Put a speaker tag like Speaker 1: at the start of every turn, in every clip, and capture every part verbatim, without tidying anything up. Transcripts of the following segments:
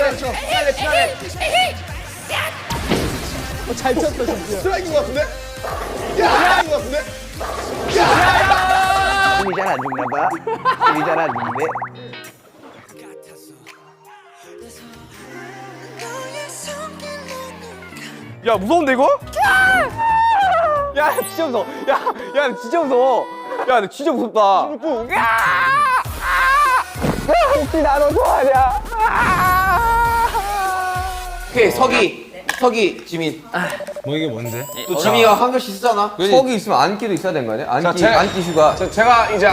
Speaker 1: 피날레 피날레.
Speaker 2: 잘 쳤다 진짜.
Speaker 1: 스트라이크인 것 같은데? 야! 스트라이크인 것 같은데?
Speaker 3: 힘이 잘 안 죽나 봐. 힘이 잘 안 죽네.
Speaker 2: 야 무서운데 이거? 야 진짜 무서워. 야, 야 진짜 무서워. 야 너 진짜 무섭다. 혹시 나도 좋아하냐?
Speaker 3: 오케이 서기 서기 지민.
Speaker 4: 뭐 이게 뭔데?
Speaker 3: 또 지민이가 한 글씨 쓰잖아.
Speaker 2: 석이 있으면 안기도 있어야 되는 거 아니야? 안기
Speaker 1: 제가-
Speaker 2: 안기 슈가.
Speaker 1: 저, 제가 이제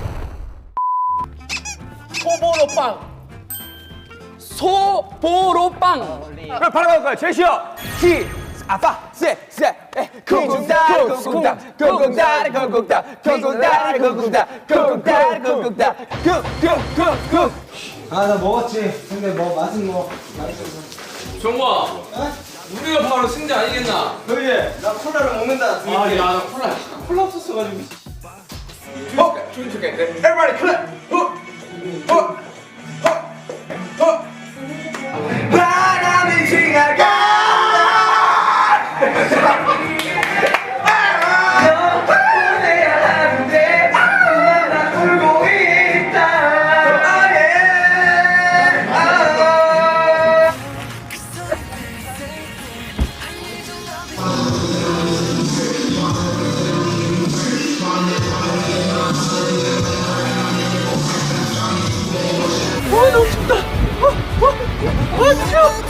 Speaker 5: 소보로빵. 소보로빵.
Speaker 2: 그럼 바로 갈 거야. 제시어. 시 아빠 세세 쿵쿵따리 쿵쿵따 쿵쿵따리 쿵쿵따 쿵쿵따리 쿵쿵따 쿵쿵따리 쿵쿵따 쿵쿵쿵쿵.
Speaker 4: 아 나 먹었지. 근데 뭐 맛은 뭐.
Speaker 5: 정우아. 우리가 바로 승자 아니겠나?
Speaker 4: 그래. 나 콜라를 먹는다.
Speaker 5: 아, 야, 나 콜라.
Speaker 4: 콜라 없었어가지고.
Speaker 1: 어? 좋긴 좋겠는데? Everybody clap! 어? 어? 어? 어?
Speaker 2: 바람이 지나가. 아, 너무 춥다. 아, 아, 아, 추워.